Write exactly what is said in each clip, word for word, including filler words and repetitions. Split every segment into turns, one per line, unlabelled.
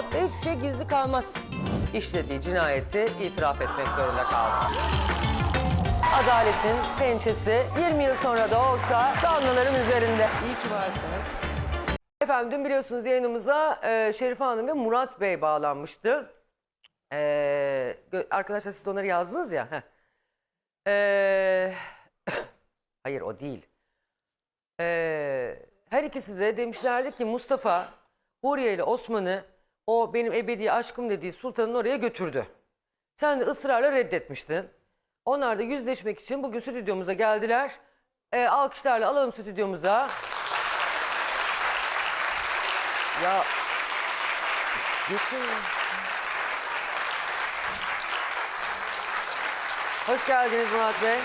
Murat Bey hiçbir şey gizli kalmaz. İşlediği cinayeti itiraf etmek zorunda kaldı. Adaletin pençesi yirmi yıl sonra da olsa zanlıların üzerinde.
İyi ki varsınız.
Efendim dün biliyorsunuz yayınımıza e, Şerife Hanım ve Murat Bey bağlanmıştı. E, arkadaşlar siz de onları yazdınız ya. Heh. E, hayır o değil. E, her ikisi de demişlerdi ki Mustafa Huriye ile Osman'ı o benim ebedi aşkım dediği sultanın oraya götürdü. Sen de ısrarla reddetmiştin. Onlar da yüzleşmek için bugün stüdyomuza geldiler. E, alkışlarla alalım stüdyomuza. Ya geçin. Hoş geldiniz Murat Bey.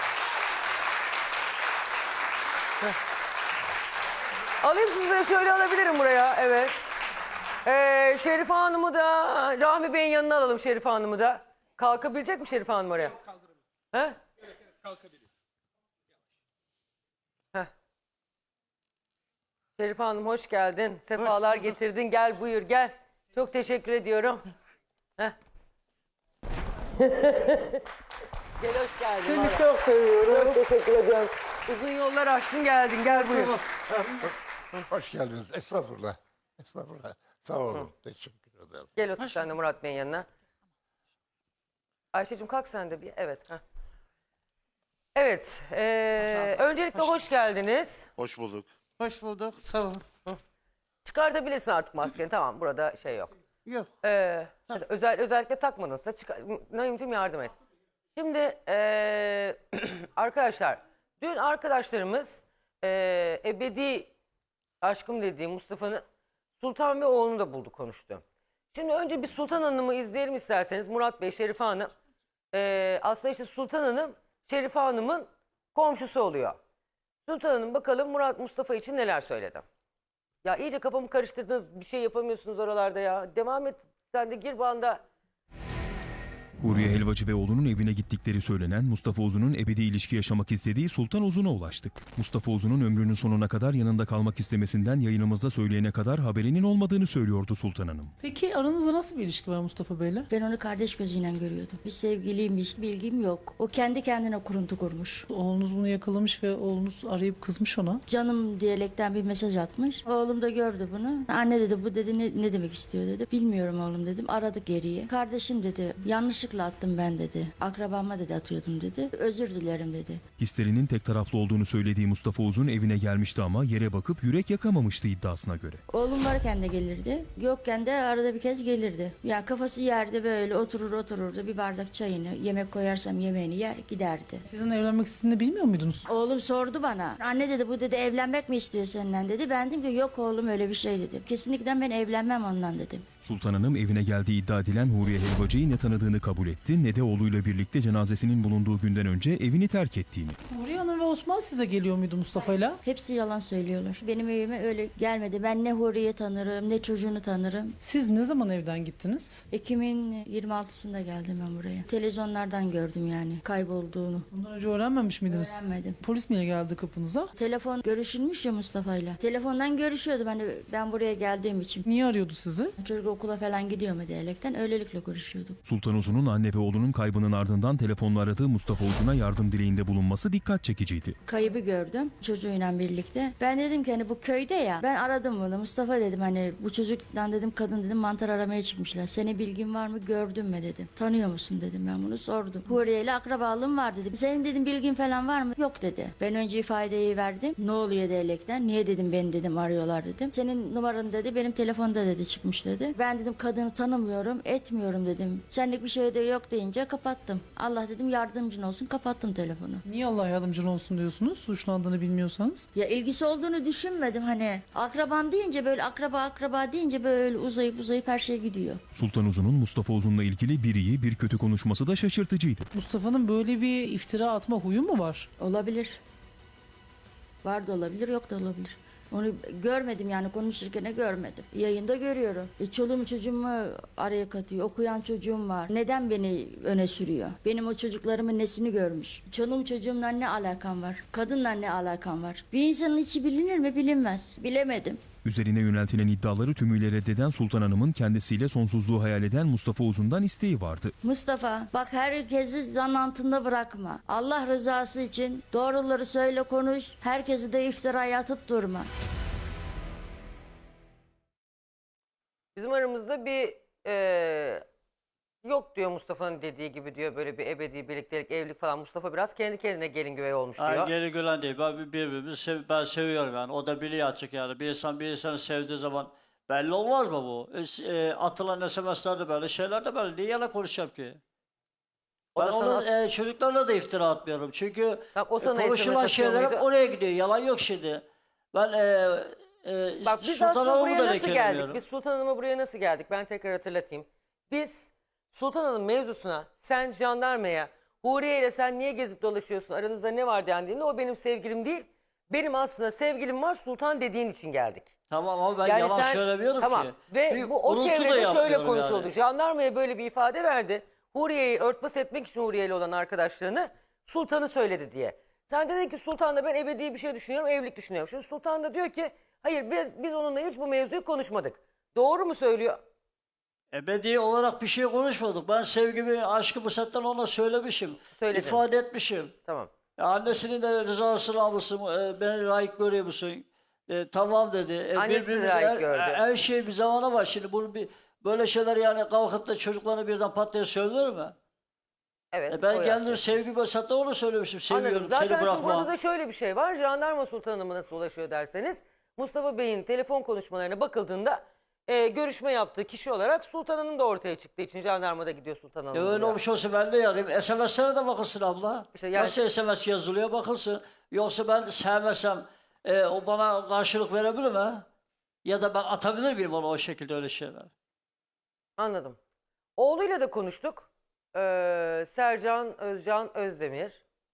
Heh. Alayım sizi de şöyle alabilirim buraya. Evet. Ee, Şerife Hanım'ı da Rahmi Bey'in yanına alalım Şerife Hanım'ı da. Kalkabilecek mi Şerife Hanım oraya?
Kaldırabilir.
He?
Evet, evet, kalkabilir.
Heh. Şerife Hanım hoş geldin. Sefalar getirdin. Gel buyur gel. Çok teşekkür ediyorum. Heh. Gel hoş geldin.
Seni
vallahi.
çok seviyorum.
Çok teşekkür ediyorum. Uzun yollar aştın geldin. Gel buyur.
Hoş geldiniz. Estağfurullah. Estağfurullah. Sağ olun. Teşekkür ederim.
Gel otur sen de Murat Bey'in yanına. Ayşe'cim kalk sen de bir. Evet. Heh. Evet. ee, öncelikle hoş geldiniz.
Hoş bulduk.
Hoş bulduk. Sağ ol.
Çıkartabilirsin artık maskeni. Tamam burada şey yok.
Yok.
Ee, mesela özel, özellikle takmadınsa çıkar. Naim'cim yardım et. Şimdi ee, arkadaşlar dün arkadaşlarımız ee, ebedi aşkım dediği Mustafa'nın Sultan ve oğlunu da buldu konuştu. Şimdi önce bir Sultan Hanım'ı izleyelim isterseniz. Murat Bey, Şerife Hanım. Ee, aslında işte Sultan Hanım Şerife Hanım'ın komşusu oluyor. Sultan Hanım bakalım Murat Mustafa için neler söyledi. Ya iyice kafamı karıştırdınız. Bir şey yapamıyorsunuz oralarda ya. Devam et. Sen de gir banda.
Huriye Helvacı ve oğlunun evine gittikleri söylenen Mustafa Uzun'un ebedi ilişki yaşamak istediği Sultan Uzun'a ulaştık. Mustafa Uzun'un ömrünün sonuna kadar yanında kalmak istemesinden yayınımızda söyleyene kadar haberinin olmadığını söylüyordu Sultan Hanım.
Peki aranızda nasıl bir ilişki var Mustafa Bey'le?
Ben onu kardeş gözüyle görüyordum. Bir sevgiliymiş, bilgim yok. O kendi kendine kuruntu kurmuş.
Oğlunuz bunu yakalamış ve oğlunuz arayıp kızmış ona.
Canım diyalekten bir mesaj atmış. Oğlum da gördü bunu. Anne dedi bu dedi ne, ne demek istiyor dedi. Bilmiyorum oğlum dedim. Aradı geriye. Kardeşim dedi yanlışlıkla attım ben dedi. Akrabama dedi atıyordum dedi. Özür dilerim dedi.
Hislerinin tek taraflı olduğunu söylediği Mustafa Uzun evine gelmişti ama yere bakıp yürek yakamamıştı iddiasına göre.
Oğlum varken de gelirdi. Yokken de arada bir kez gelirdi. Ya kafası yerde böyle oturur otururdu. Bir bardak çayını, yemek koyarsam yemeğini yer giderdi.
Sizin evlenmek istediğini bilmiyor muydunuz?
Oğlum sordu bana. Anne dedi bu dedi evlenmek mi istiyor senden dedi. Ben dedim ki yok oğlum öyle bir şey dedim. Kesinlikle ben evlenmem ondan dedim.
Sultan Hanım evine geldiği iddia edilen Huriye Helvacı'yı ne tanıdığını kabul etti ne de oğluyla birlikte cenazesinin bulunduğu günden önce evini terk ettiğini.
Huriye Hanım ve Osman size geliyor muydu Mustafa'yla?
Hepsi yalan söylüyorlar. Benim evime öyle gelmedi. Ben ne Huriye tanırım ne çocuğunu tanırım.
Siz ne zaman evden gittiniz?
Ekim'in yirmi altısında geldim ben buraya. Televizyonlardan gördüm yani kaybolduğunu.
Bundan önce öğrenmemiş miydiniz?
Öğrenmedim.
Polis niye geldi kapınıza?
Telefon görüşülmüş ya Mustafa'yla. Telefondan görüşüyordum hani ben buraya geldiğim için.
Niye arıyordu sizi?
Çocuk okula falan gidiyor mu diyalekten öylelikle görüşüyordum.
Sultan Uzun'un anne ve oğlunun kaybının ardından telefonla aradığı Mustafa Uzun'a yardım dileğinde bulunması dikkat çekiciydi.
Kaybı gördüm çocuğuyla birlikte. Ben dedim ki hani bu köyde ya ben aradım bunu. Mustafa dedim hani bu çocuktan dedim kadın dedim mantar aramaya çıkmışlar. Senin bilgin var mı gördün mü dedim. Tanıyor musun dedim ben bunu sordum. Huriye ile akrabalığım var dedim. Senin dedim bilgin falan var mı? Yok dedi. Ben önce ifadeyi verdim. Ne oluyor diyalekten. Niye dedim beni dedim arıyorlar dedim. Senin numaran dedi benim telefonda dedi çıkmış dedi. Ben dedim kadını tanımıyorum etmiyorum dedim. Senlik bir şey de yok deyince kapattım. Allah dedim yardımcın olsun kapattım telefonu.
Niye Allah yardımcın olsun diyorsunuz? Suçlandığını bilmiyorsanız.
Ya ilgisi olduğunu düşünmedim hani. Akrabam deyince böyle akraba akraba deyince böyle uzayıp uzayıp her şey gidiyor.
Sultan Uzun'un Mustafa Uzun'la ilgili bir iyi bir kötü konuşması da şaşırtıcıydı.
Mustafa'nın böyle bir iftira atma huyu mu var?
Olabilir. Var da olabilir yok da olabilir. Onu görmedim yani konuşurken de görmedim. Yayında görüyorum. E, çoluğumu çocuğumu araya katıyor. Okuyan çocuğum var. Neden beni öne sürüyor? Benim o çocuklarımın nesini görmüş? Çoluğum çocuğumla ne alakam var? Kadınla ne alakam var? Bir insanın içi bilinir mi? Bilinmez. Bilemedim.
Üzerine yöneltilen iddiaları tümüyle reddeden Sultan Hanım'ın kendisiyle sonsuzluğu hayal eden Mustafa Uzun'dan isteği vardı.
Mustafa bak herkesi zan altında bırakma. Allah rızası için doğruları söyle konuş. Herkesi de iftiraya atıp durma.
Bizim aramızda bir e, yok diyor Mustafa'nın dediği gibi diyor böyle bir ebedi birliktelik, evlilik falan. Mustafa biraz kendi kendine gelin güvey olmuş diyor.
Ay geri gülen değil. Ben bir- birbirimizi sev, ben seviyorum yani. O da biliyor açık yani. Bir insan bir insanı sevdiği zaman belli olmaz mı bu? E, e, atılan S M S'ler de böyle, şeyler de böyle. Niye yalan konuşacağım ki?
O
Ben
da sana-
onun e, çocuklarına da iftira atmıyorum. Çünkü
Tamam, o
e,
sana
konuşulan
S M S atıyor
şeyler hep
muydu?
oraya gidiyor. Yalan yok şimdi. Ben e, e,
Bak biz
Sultan
aslında
Hanım'ı
buraya
da
nasıl geldik?
lekelemiyorum.
Biz Sultan Hanım'a buraya nasıl geldik? Ben tekrar hatırlatayım. Biz Sultan Hanım mevzusuna sen jandarmaya Huriye ile sen niye gezip dolaşıyorsun, aranızda ne var dendiğinde o benim sevgilim değil. Benim aslında sevgilim var, Sultan dediğin için geldik.
Tamam ama ben
Yani
yalan
sen-
söylemiyorum
tamam.
ki.
Ve
Bir
bu o
gurultu da
çevrede şöyle
yapmıyorum
konuşuldu.
yani.
Jandarmaya böyle bir ifade verdi. Huriye'yi örtbas etmek için Huriye ile olan arkadaşlığını Sultan'ı söyledi diye. Sen dedin ki Sultan'da ben ebedi bir şey düşünüyorum, evlilik düşünüyorum. Şimdi Sultan da diyor ki hayır biz, biz onunla hiç bu mevzuyu konuşmadık. Doğru mu söylüyor?
Ebedi olarak bir şey konuşmadık. Ben sevgimi, aşkımı zaten ona söylemişim.
Söyledin.
İfade etmişim.
Tamam.
Ya annesinin de rızasını almışsın, e, beni layık görüyor musun? E, tamam dedi. E,
Annesi de
birbirimize
layık
her,
gördü.
Her şey bir zamana var. Şimdi bunu bir, böyle şeyler yani kalkıp da çocuklarına birden pat diye söylenir mi?
Evet.
E,
o
ben
yaşta.
kendim sevgimi zaten onu söylemişim. Seviyorum,
Anladım. Zaten
seni
şimdi burada
bırakmam.
da şöyle bir şey var. Jandarma Sultan Hanım'a nasıl ulaşıyor derseniz Mustafa Bey'in telefon konuşmalarına bakıldığında e, görüşme yaptığı kişi olarak Sultan Hanım da ortaya çıktığı için jandarmada gidiyor Sultan Hanım.
E, öyle
diyor.
olmuş olsa ben de yarayayım. S M S'lere de bakılsın abla.
İşte yani-
Nasıl S M S yazılıyor bakılsın. Yoksa ben sevmesem e, o bana karşılık verebilir mi? Ya da ben atabilir miyim ona o şekilde öyle şeyler?
Anladım. Oğluyla da konuştuk. Ee, Sercan Özcan Özdemir.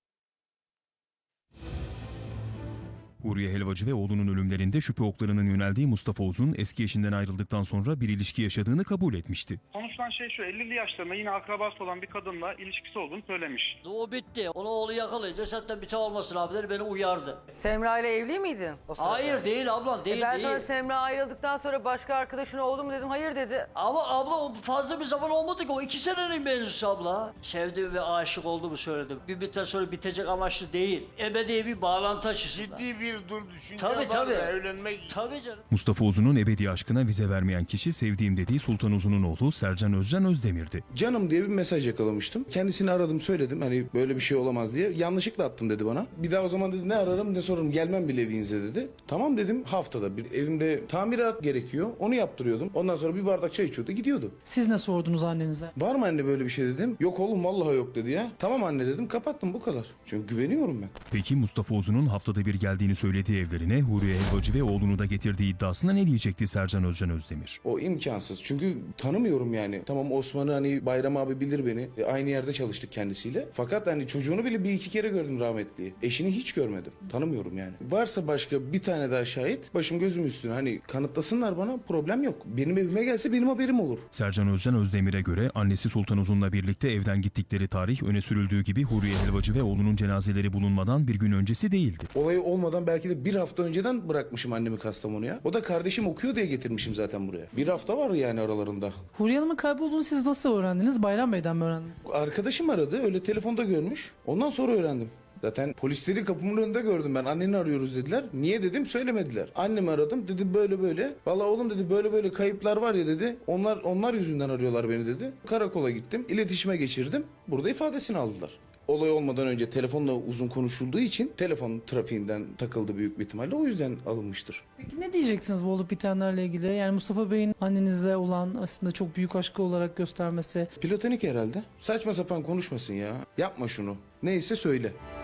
Huriye Helvacı ve oğlunun ölümlerinde şüphe oklarının yöneldiği Mustafa Uzun eski eşinden ayrıldıktan sonra bir ilişki yaşadığını kabul etmişti.
Konuşulan şey şu, ellili yaşlarında yine akrabası olan bir kadınla ilişkisi olduğunu söylemiş.
O bitti. Onu oğlu yakalayınca zaten bir olmasın abileri beni uyardı.
Semra ile evli miydin o sırada?
Hayır değil abla değil
E ben
değil.
sana Semra ayrıldıktan sonra başka arkadaşın oldu mu dedim. Hayır dedi.
Ama abla o fazla bir zaman olmadı ki o iki senenin mevzusu abla. Sevdiğim ve aşık olduğumu söyledim. Bir müddet sonra bitecek amaçlı değil. Ebedi bir bağlantı açısından.
Ciddi bir dur düşünce
Tabii,
var
tabii.
da evlenmek için.
Tabii canım.
Mustafa Uzun'un ebedi aşkına vize vermeyen kişi sevdiğim dediği Sultan Uzun'un oğlu Sercan Özcan Özdemir'di.
Canım diye bir mesaj yakalamıştım. Kendisini aradım söyledim hani böyle bir şey olamaz diye. Yanlışlıkla attım dedi bana. Bir daha o zaman dedi ne ararım ne sorarım gelmem bile evinize dedi. Tamam dedim haftada bir evimde tamirat gerekiyor. Onu yaptırıyordum. Ondan sonra bir bardak çay içiyordu gidiyordu.
Siz ne sordunuz annenize?
Var mı anne böyle bir şey dedim. Yok oğlum vallahi yok dedi ya. Tamam anne dedim kapattım bu kadar. Çünkü güveniyorum ben.
Peki Mustafa Uzun'un haftada bir geldiğini söylediği evlerine Huriye Helvacı ve oğlunu da getirdiği iddiasına ne diyecekti Sercan Özcan Özdemir?
O imkansız. Çünkü tanımıyorum yani. Tamam Osman'ı hani Bayram abi bilir beni. E, aynı yerde çalıştık kendisiyle. Fakat hani çocuğunu bile bir iki kere gördüm rahmetliyi. Eşini hiç görmedim. Tanımıyorum yani. Varsa başka bir tane daha şahit başım gözüm üstüne hani kanıtlasınlar bana problem yok. Benim evime gelse benim haberim olur.
Sercan Özcan Özdemir'e göre annesi Sultan Uzun'la birlikte evden gittikleri tarih öne sürüldüğü gibi Huriye Helvacı ve oğlunun cenazeleri bulunmadan bir gün öncesi değildi.
Olay olmadan belki de bir hafta önceden bırakmışım annemi Kastamonu'ya. O da kardeşim okuyor diye getirmişim zaten buraya. Bir hafta var yani aralarında.
Huriye Hanım'ın kaybolduğunu siz nasıl öğrendiniz? Bayram Bey'den mi öğrendiniz?
Arkadaşım aradı öyle telefonda görmüş. Ondan sonra öğrendim. Zaten polisleri kapımın önünde gördüm ben. Anneni arıyoruz dediler. Niye dedim söylemediler. Annemi aradım dedi böyle böyle. Vallahi oğlum dedi böyle böyle kayıplar var ya dedi. Onlar onlar yüzünden arıyorlar beni dedi. Karakola gittim. İletişime geçirdim. Burada ifadesini aldılar. Olay olmadan önce telefonla uzun konuşulduğu için telefon trafiğinden takıldı büyük bir ihtimalle. O yüzden alınmıştır.
Peki ne diyeceksiniz bu olup bitenlerle ilgili? Yani Mustafa Bey'in annenizle olan aslında çok büyük aşkı olarak göstermesi.
Platonik herhalde. Saçma sapan konuşmasın ya. Yapma şunu. Neyse söyle.